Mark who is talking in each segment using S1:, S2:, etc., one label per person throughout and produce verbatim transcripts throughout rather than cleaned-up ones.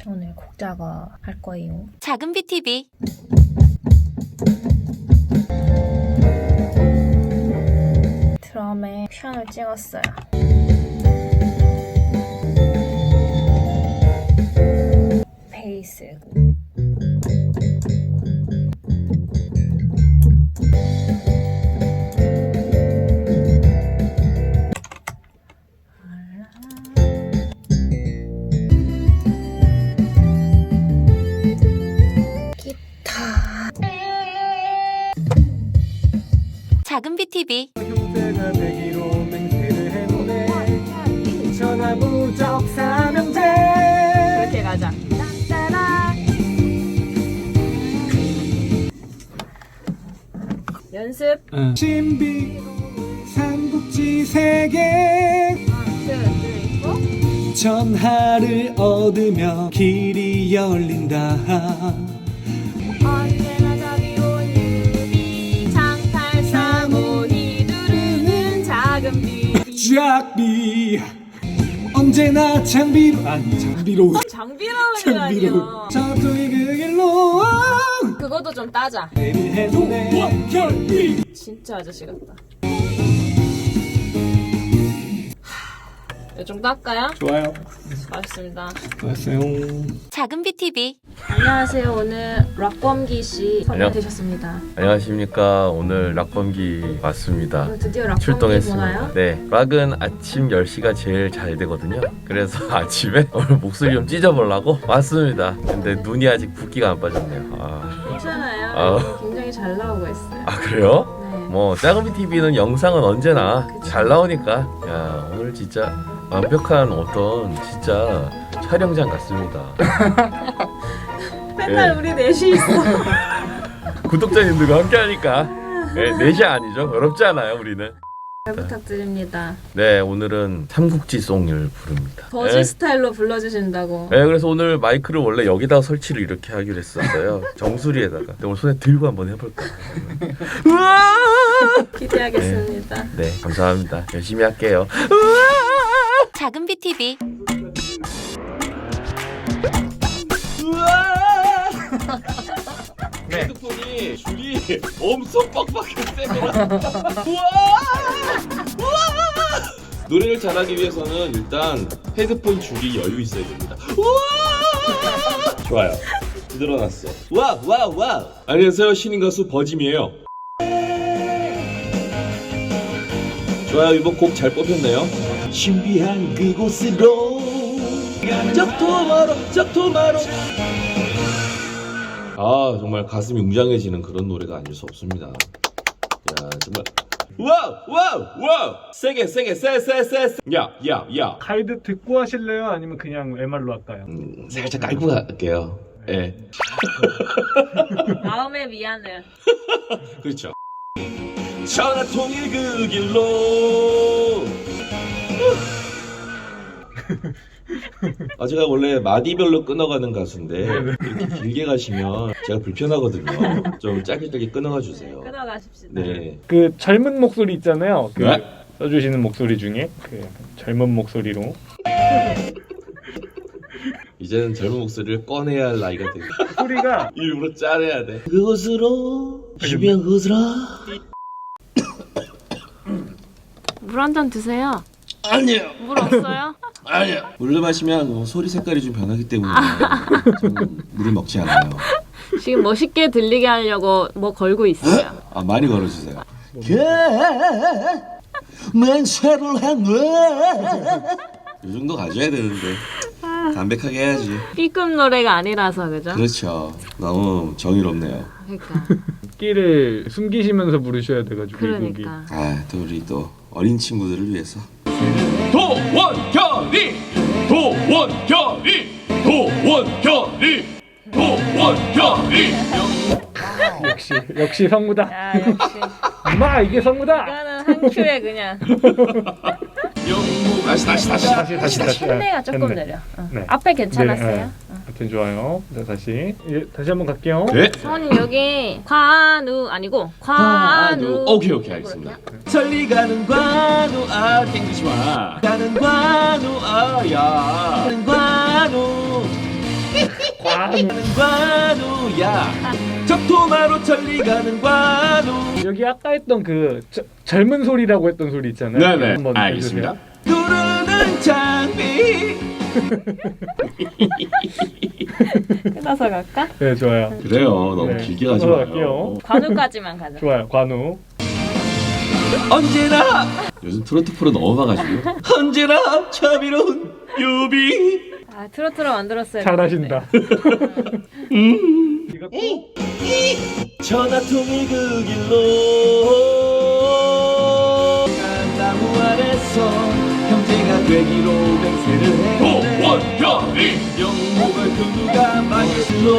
S1: 오늘 곡 작업 할 거예요.
S2: 작은 비티비.
S1: 드럼에 피아노를 찍었어요. 베이스.
S2: 작은 비티비.
S3: 형제가 되기로 맹세를 해보네. 전화부적 삼형제.
S1: 그렇게 가자. 따따라. 연습.
S3: 응. 신비 삼국지 세계 전하를 얻으며 길이 열린다.
S1: 언제나 자비로운 유비 장탈사모니 누르는 작은 비비.
S3: 쫙비 언제나 장비로 아니 장비로
S1: 장비로운이
S3: 장비로
S1: 아니야.
S3: 저쪽이 그 길로
S1: 그것도 좀 따자.
S3: 해보네.
S1: 진짜 아저씨 같다. 이 정도 할까요?
S3: 좋아요.
S1: 맛있습니다.
S3: 고맙어요.
S2: 작은 비티비.
S1: 안녕하세요. 오늘 락범기 씨
S4: 안녕.
S1: 선택되셨습니다.
S4: 안녕하십니까. 오늘 락범기 왔습니다.
S1: 오늘 드디어 락범기
S4: 출동했습니다.
S1: 보나요?
S4: 네, 락은 아침 열 시가 제일 잘 되거든요. 그래서 아침에 오늘 목소리 좀 찢어보려고 왔습니다. 근데 눈이 아직 붓기가 안 빠졌네요. 아,
S1: 괜찮아요.
S4: 아.
S1: 굉장히 잘 나오고 있어요.
S4: 아 그래요?
S1: 네.
S4: 뭐 작은 비티비는 영상은 언제나 잘 나오니까 야 오늘 진짜 완벽한 어떤 진짜 촬영장 같습니다.
S1: 맨날
S4: 네.
S1: 우리 넷이 있어.
S4: 구독자님들과 함께하니까 네, 넷이 아니죠. 어렵지 않아요 우리는.
S1: 잘 부탁드립니다.
S4: 네, 오늘은 삼국지송을 부릅니다.
S1: 버즈
S4: 네.
S1: 스타일로 불러주신다고.
S4: 네, 그래서 오늘 마이크를 원래 여기다가 설치를 이렇게 하기로 했었어요. 정수리에다가. 근데 오늘 손에 들고 한번 해볼까. 우와!
S1: 기대하겠습니다.
S4: 네, 감사합니다. 열심히 할게요.
S2: 작은 비티비.
S4: 네. 핸드폰이 줄이 엄청 빡빡해 세더라. 우와! 우와! 노래를 잘하기 위해서는 일단 헤드폰 줄이 여유 있어야 됩니다. 우와! 좋아요. 늘어났어. 와, 와, 와. 안녕하세요. 신인 가수 버짐이에요. 좋아요. 이번 곡 잘 뽑혔네요. 신비한 그곳으로 적토마로 적토마로. 아 정말 가슴이 웅장해지는 그런 노래가 아닐 수 없습니다. 야 정말 와우 와우 와우 세게 세게 세세세 야야야
S3: 가이드 듣고 하실래요? 아니면 그냥 엠알로 할까요?
S4: 음, 살짝 깔고 갈게요. 예. 네.
S1: 마음에 미안해.
S4: 그렇죠. 전화통일 그 길로. 아 제가 원래 마디별로 끊어가는 가수인데 이렇게 길게 가시면 제가 불편하거든요. 좀 짧게 짧게 끊어가 주세요.
S1: 끊어가십시다.
S4: 네.
S3: 그 젊은 목소리 있잖아요. 그
S4: 네?
S3: 써주시는 목소리 중에 그 젊은 목소리로
S4: 이제는 젊은 목소리를 꺼내야 할 나이가 돼.
S3: 소리가
S4: 일부러 짜내야 돼. 그곳으로 희비한 그곳으로.
S1: 물 한 잔 드세요.
S4: 아니에요.
S1: 물 없어요?
S4: 아니요. 물을 마시면 소리 색깔이 좀 변하기 때문에 저는 물을 먹지 않아요.
S1: 지금 멋있게 들리게 하려고 뭐 걸고 있어요.
S4: 아 많이 걸어주세요. 만세를 향해. 이 정도 가져야 되는데 담백하게 해야지.
S1: B급 노래가 아니라서 그죠?
S4: 그렇죠. 너무 정의롭네요.
S1: 그러니까.
S3: 끼를 숨기시면서 부르셔야 돼가지고 이 곡이.
S1: 그러니까.
S4: 아또 우리 또 어린 친구들을 위해서.
S5: 도원결이 도원결이 도원결이 도원결이
S3: 역시 역시 성무다.
S1: 야 역시.
S3: 마 이게 성무다.
S1: 이거는 한 큐에 그냥.
S4: 영무 다시 다시 다시
S3: 다시 다시 다시.
S1: 흉내가 조금
S3: 네.
S1: 내려. 어.
S3: 네.
S1: 앞에 괜찮았어요?
S3: 네, 네. 하여튼 좋아요. 자 다시 예, 다시 한번 갈게요.
S4: 네.
S1: 사모님 여기 관우 아니고 관우.
S4: 오케이 오케이 알겠습니다. 천리 가는 관우 아 땡기지 마. 가는 관우 아야. 가는 관우. 관우야 적토마로 천리 가는 관우.
S3: 여기 아까 했던 그 저, 젊은 소리라고 했던 소리 있잖아요.
S5: 네네
S3: 한번
S5: 알겠습니다.
S4: 누르는 장비.
S1: 끝나서 갈까?
S3: 네, 좋아요.
S4: 그래요. 너무
S3: 네.
S4: 길게 가지
S3: 끊어서
S4: 마요.
S3: 갈게요.
S1: 관우까지만 가자.
S3: 좋아요. 관우.
S4: 언제나 요즘 트로트 프로 너무 봐가지고 언제나 자비로운 유비.
S1: 아 트로트로 만들었어요.
S3: 잘하신다.
S4: 음.
S3: 이것도
S4: 전화통일 그 길로 나무 아래서 형제가 되기로 맹세를 했네.
S5: 도원결이
S4: 영목을 그 누가 마실로.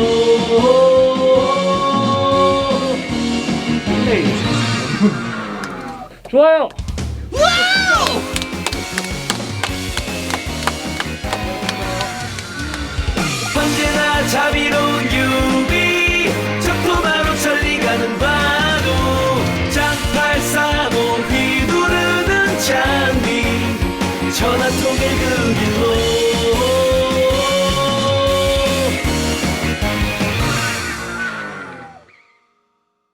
S3: 좋아요.
S4: 언제나 자비로운 유비 적토마로 천리 가는 관우 장팔 삼오 휘두르는 장비 전화통일 그